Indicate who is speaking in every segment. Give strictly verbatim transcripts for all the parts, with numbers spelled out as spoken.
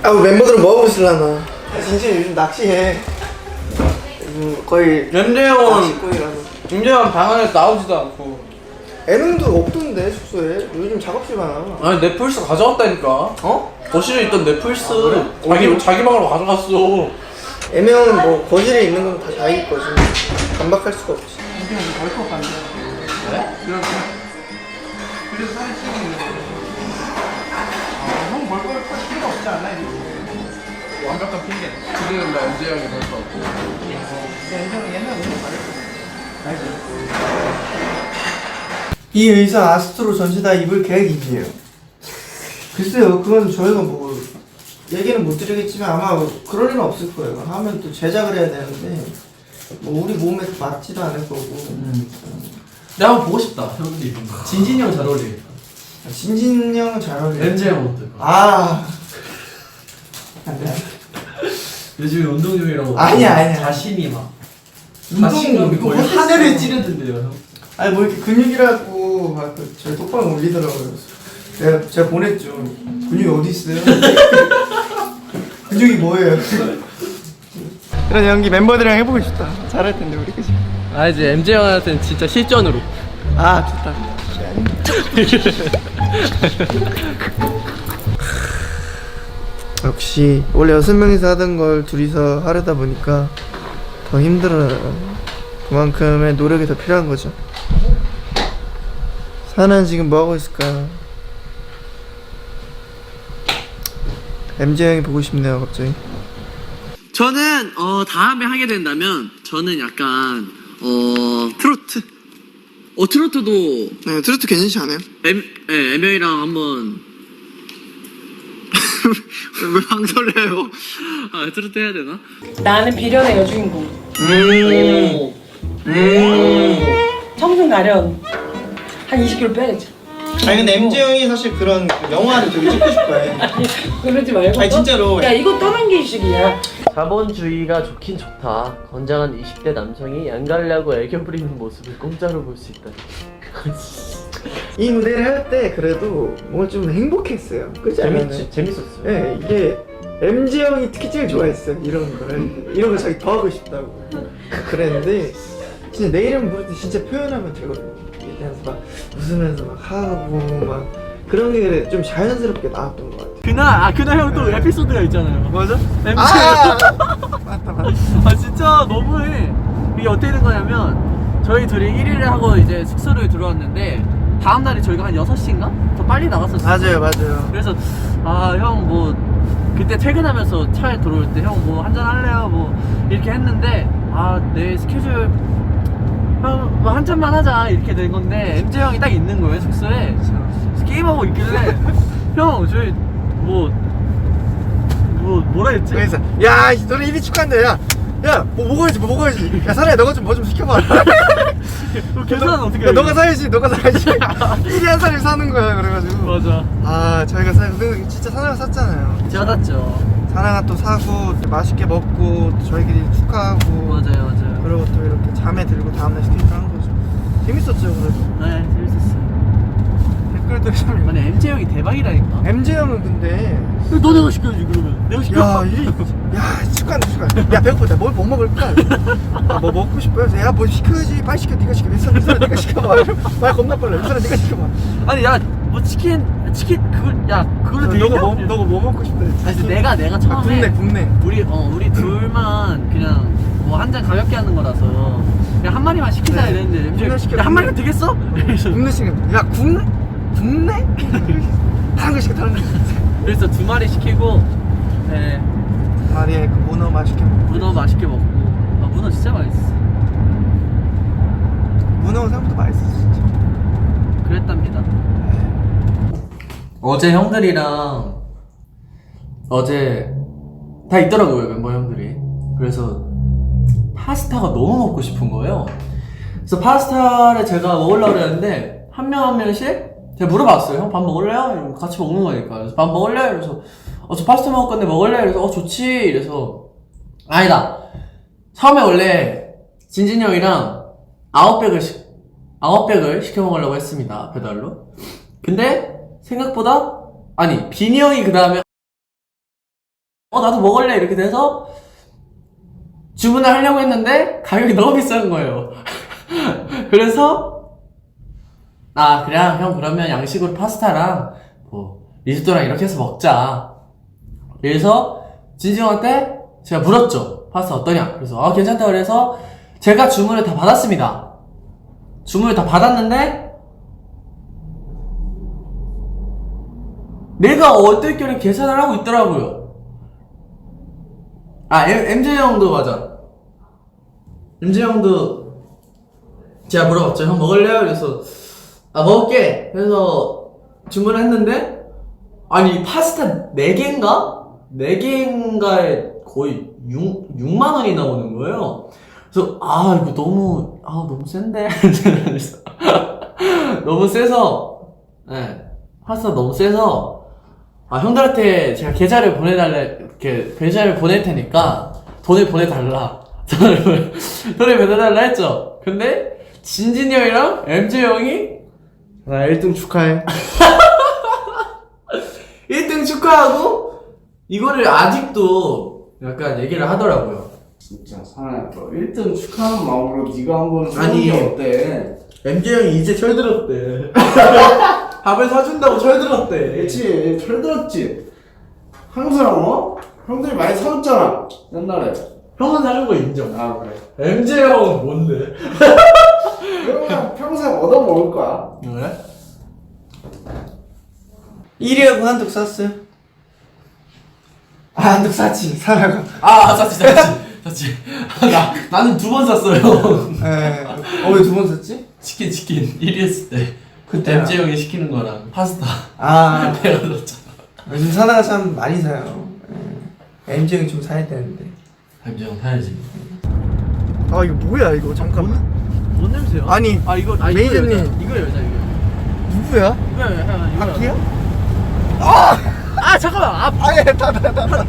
Speaker 1: 아 멤버들은 뭐 하고 있으려나. 아, 진짜 요즘 낚시해. 요즘 거의
Speaker 2: 엠제 형은
Speaker 1: 낚시꾼이라서.
Speaker 2: 엠제 형 방 안에서 나오지도 않고.
Speaker 1: 애능도 없던데 숙소에. 요즘 작업실 많아.
Speaker 2: 아니 넷플릭스 가져왔다니까.
Speaker 1: 어?
Speaker 2: 거실에 있던 넷플릭스
Speaker 1: 아, 그래?
Speaker 2: 자기
Speaker 1: 어디로?
Speaker 2: 자기 방으로 가져갔어.
Speaker 1: 애명은 뭐 거실에 있는 건 다 자기 거지. 반박할 수가 없지.
Speaker 2: 엠제 형이 벌컥 간대. 네? 그래서 그래서 사진 찍고 있는 거. 형 벌컥 할 필요 없지 않나 이거? 완벽한 핑계. 지금 나 엠제 형이 벌컥 없고. 엠제 형이 옛날에 운동 잘했거든.
Speaker 1: 이 의사 아스트로 전체 다 입을 계획이에요. 글쎄요, 그건 저희가 뭐 얘기는 못 드리겠지만 아마 그럴 일은 없을 거예요. 하면 또 제작을 해야 되는데 뭐 우리 몸에 맞지도 않을 거고.
Speaker 3: 음. 내가 한번 보고 싶다. 형들 입은 거. 진진이 형 잘 어울리겠다.
Speaker 1: 진진 형은 잘 어울려.
Speaker 3: 엠제 형 옷들.
Speaker 1: 아.
Speaker 3: 요즘에 운동 중이라고.
Speaker 1: 아니야, 아니야.
Speaker 3: 자신이 막.
Speaker 1: 운동
Speaker 3: 거의 하늘을 찌르던데요, 형.
Speaker 1: 아니 뭐 이렇게 근육이라고 막 그 저희 톡방 올리더라고요. 제가 제가 보냈죠. 근육이 어디 있어요? 근육이 뭐예요? 이런 연기 멤버들이랑 해보고 싶다. 잘할 텐데 우리 그지?
Speaker 2: 아 이제 엠제 형한테는 진짜 실전으로.
Speaker 1: 아 좋다. 역시 원래 여섯 명이서 하던 걸 둘이서 하려다 보니까 더 힘들어요. 그만큼의 노력이 더 필요한 거죠. 사는 지금 뭐 하고 있을까? 엠제 형이 보고 싶네요, 갑자기.
Speaker 4: 저는 어 다음에 하게 된다면 저는 약간 어
Speaker 1: 트로트.
Speaker 4: 어 트로트도
Speaker 1: 네, 트로트 괜찮지 않아요?
Speaker 4: 엠 예, 엠명이랑 한번 왜 방설해요? 아 트로트 해야 되나?
Speaker 5: 나는 비련의 여주인공.
Speaker 4: 음.
Speaker 5: 음. 청순 가련 한 이십 킬로그램 빼야겠지.
Speaker 1: 아니 근데 엠제 형이 사실 그런 영화를 되게 찍고 싶어해.
Speaker 5: 그러지 말고.
Speaker 1: 아니 진짜로.
Speaker 5: 야 이거 떠넘기식이야.
Speaker 6: 자본주의가 좋긴 좋다. 건장한 이십 대 남성이 양갈래하고 애교 부리는 모습을 공짜로 볼 수 있다.
Speaker 1: 이 무대를 할 때 그래도 뭔가 좀 행복했어요. 그렇지 않아요?
Speaker 6: 재밌지, 재밌었어요.
Speaker 1: 네, 이게 엠제 형이 특히 제일 좋아했어요. 이런 거를 이런 거 자기 더 하고 싶다고 그랬는데 진짜 내 이름 부를 때 진짜 표현하면 되거든요. 그래서 막 웃으면서 막 하고 막 그런 게 좀 자연스럽게 나왔던 것 같아요.
Speaker 2: 그날 아 그날 형 또 에피소드가 있잖아요.
Speaker 1: 맞아?
Speaker 2: 엠제
Speaker 1: 아 맞다 맞다.
Speaker 2: 아 진짜 너무해. 이게 어떻게 된 거냐면 저희 둘이 일 위를 하고 이제 숙소를 들어왔는데 다음 날에 저희가 한 여섯 시인가? 더 빨리 나갔었어요.
Speaker 1: 맞아요 맞아요.
Speaker 2: 그래서 아 형 뭐 그때 퇴근하면서 차에 들어올 때 형 뭐 한잔 할래요? 뭐 이렇게 했는데 아 내 스케줄 형 뭐 한 잔만 하자 이렇게 된 건데 엠제 형이 딱 있는 거예요 숙소에. 그래서 게임하고 있길래 형 저희 뭐 뭐 뭐라 했지?
Speaker 1: 그래서 야 너네 일 위 축하한다. 야 야, 뭐 먹어야지, 뭐 먹어야지. 야, 사라야, 너가 좀 뭐 좀 시켜봐.
Speaker 2: 그 계산은 어떻게
Speaker 1: 야,
Speaker 2: 해?
Speaker 1: 너가 사야지, 너가 사야지. 일 위 한 사람이 사는 거야, 그래가지고.
Speaker 2: 맞아.
Speaker 1: 아, 저희가 사, 근데 진짜 사나가 샀잖아요.
Speaker 2: 제가 샀죠.
Speaker 1: 사나가 또 사고, 또 맛있게 먹고, 또 저희끼리 축하하고.
Speaker 2: 맞아요, 맞아요.
Speaker 1: 그리고 또 이렇게 잠에 들고 다음날 스케줄 하는 거죠. 재밌었죠, 그래도.
Speaker 2: 네, 재밌었어요.
Speaker 1: 댓글도 참.
Speaker 2: 아니 엠제 형이 대박이라니까.
Speaker 1: 엠제 형은 근데.
Speaker 2: 너 내가 시켜야지 그러면. 내가 시켜.
Speaker 1: 야, 이, 야, 축하한다, 축하. 야, 배고프다. 뭘, 뭐 먹을까? 아, 뭐 먹고 싶어요? 야, 뭐 시켜야지. 빨리 시켜, 네가 시켜. 윗사람, 윗사람 네가 시켜봐. 말 겁나 빨라. 윗사람 네가 시켜봐.
Speaker 2: 아니 야 뭐 치킨 치킨 그걸 야 그걸로 되겠냐?
Speaker 1: 너가 뭐, 너가 뭐 먹고 싶다 했지?
Speaker 2: 아니 근데 내가 내가 처음에
Speaker 1: 아, 국내, 국내.
Speaker 2: 우리 어 우리 둘만 그냥 뭐 한 잔 가볍게 하는 거라서 그냥 한 마리만 시키자
Speaker 1: 네.
Speaker 2: 이랬는데
Speaker 1: 국내
Speaker 2: 엠제
Speaker 1: 시켜,
Speaker 2: 야한
Speaker 1: 국내.
Speaker 2: 마리면 되겠어? 이래서
Speaker 1: 국내 시켜. 야, 국내? 국내? 다른 거 시켜, 다른 거.
Speaker 2: 그래서 두 마리 시키고 네
Speaker 1: 마리에 그 문어 맛있게 먹고.
Speaker 2: 문어 맛있게 먹고 아 문어 진짜 맛있어.
Speaker 1: 문어 생각보다 맛있었어, 진짜.
Speaker 2: 그랬답니다.
Speaker 6: 어제 형들이랑 어제 다 있더라고요, 멤버 형들이. 그래서 파스타가 너무 먹고 싶은 거예요. 그래서 파스타를 제가 먹으려고 그랬는데 한 명 한 명씩 제가 물어봤어요. 형 밥 먹을래요? 이러면 같이 먹는 거니까. 그래서 밥 먹을래? 그래서 어, 저 파스타 먹을 건데 먹을래? 그래서 어 좋지. 이래서 아니다. 처음에 원래 진진이 형이랑 아홉 백을 시, 아홉 백을 시켜 먹으려고 했습니다, 배달로. 근데 생각보다 아니 빈이 형이 그 다음에 어 나도 먹을래 이렇게 돼서 주문을 하려고 했는데 가격이 너무 비싼 거예요. 그래서 아 그냥 형 그러면 양식으로 파스타랑 뭐 리조또랑 이렇게 해서 먹자. 그래서 진지 형한테 제가 물었죠. 파스타 어떠냐? 그래서 아 괜찮다 그래서 제가 주문을 다 받았습니다. 주문을 다 받았는데 내가 어떨결에 계산을 하고 있더라고요. 아 엠제 형도 맞아. 엠제 형도 제가 물어봤죠. 형 먹을래요? 그래서 아 먹을게. 그래서 주문을 했는데 아니 파스타 네 개인가? 네 개인가에 거의 육, 육만 원이 나오는 거예요. 그래서 아 이거 너무 아 너무 센데 그래서 너무 세서 네, 파스타 너무 세서 아 형들한테 제가 계좌를 보내달래 이렇게 계좌를 보낼 테니까 돈을 보내달라 돈을 보내- 돈을 보내달라 했죠. 근데 진진이 형이랑 엠제 형이
Speaker 1: 나 일 등 축하해.
Speaker 6: 일 등 축하하고 이거를 아직도 약간 얘기를 하더라고요.
Speaker 7: 진짜 사나야 너 일 등 축하하는 마음으로 네가 한번
Speaker 6: 아니.
Speaker 7: 해보는 게 어때?
Speaker 6: 엠제 형이 이제 철들었대. 밥을 사준다고 철들었대.
Speaker 7: 그렇지 철들었지. 항상 어? 형들이 많이 사줬잖아 옛날에.
Speaker 6: 형은 사준 거 인정.
Speaker 7: 아 그래.
Speaker 6: 엠제 형은 뭔데?
Speaker 7: 그러면 평생 얻어먹을 거야.
Speaker 6: 그래?
Speaker 1: 일 위하고 한독 샀어요? 아 한독 샀지 사라가.
Speaker 6: 아 샀지 샀지 샀지. 나 나는 두 번 샀어요.
Speaker 1: 에. 어왜 두 번 샀지?
Speaker 6: 치킨 치킨 일 위 했을 때 그때
Speaker 1: 그때야.
Speaker 6: 엠제 형이 시키는 거랑 파스타
Speaker 1: 아
Speaker 6: 내가 샀잖아.
Speaker 1: 요즘 사나가 참 많이 사요. 엠지 형이 좀 사야 되는데.
Speaker 6: 엠제 형 사야지.
Speaker 1: 아 이거 뭐야 이거 잠깐만.
Speaker 2: 뭔 냄새야?
Speaker 1: 아니
Speaker 2: 아 이거 아,
Speaker 1: 매니저님.
Speaker 2: 이거 여자 이거 여자
Speaker 1: 누구야?
Speaker 2: 이거 여자 이거 여자
Speaker 1: 바퀴야?
Speaker 2: 아 잠깐만 아,
Speaker 1: 아예 다다다.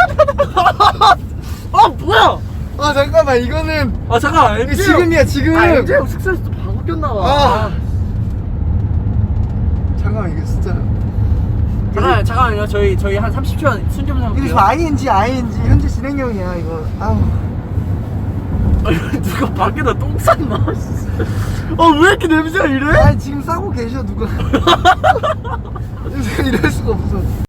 Speaker 2: 아 뭐야
Speaker 1: 아 잠깐만 이거는
Speaker 2: 아 잠깐만
Speaker 1: 이거
Speaker 2: 엠제
Speaker 1: 지금이야 지금.
Speaker 2: 아 엠제 형 숙소에서 또 바뀌었나 봐
Speaker 1: 아. 잠깐만 이거 진짜.
Speaker 2: 잠깐만 잠깐만요 저희 저희 한 삼십 초만 순 좀
Speaker 1: 이거
Speaker 2: 삼을게요
Speaker 1: 지금 아이엔지 아이엔지 현재 진행형이야 이거. 아우.
Speaker 2: 누가 밖에다 똥 쌌나 아왜 이렇게 냄새가 이래?
Speaker 1: 아니 지금 싸고 계셔 누가. 이럴 수가 없어.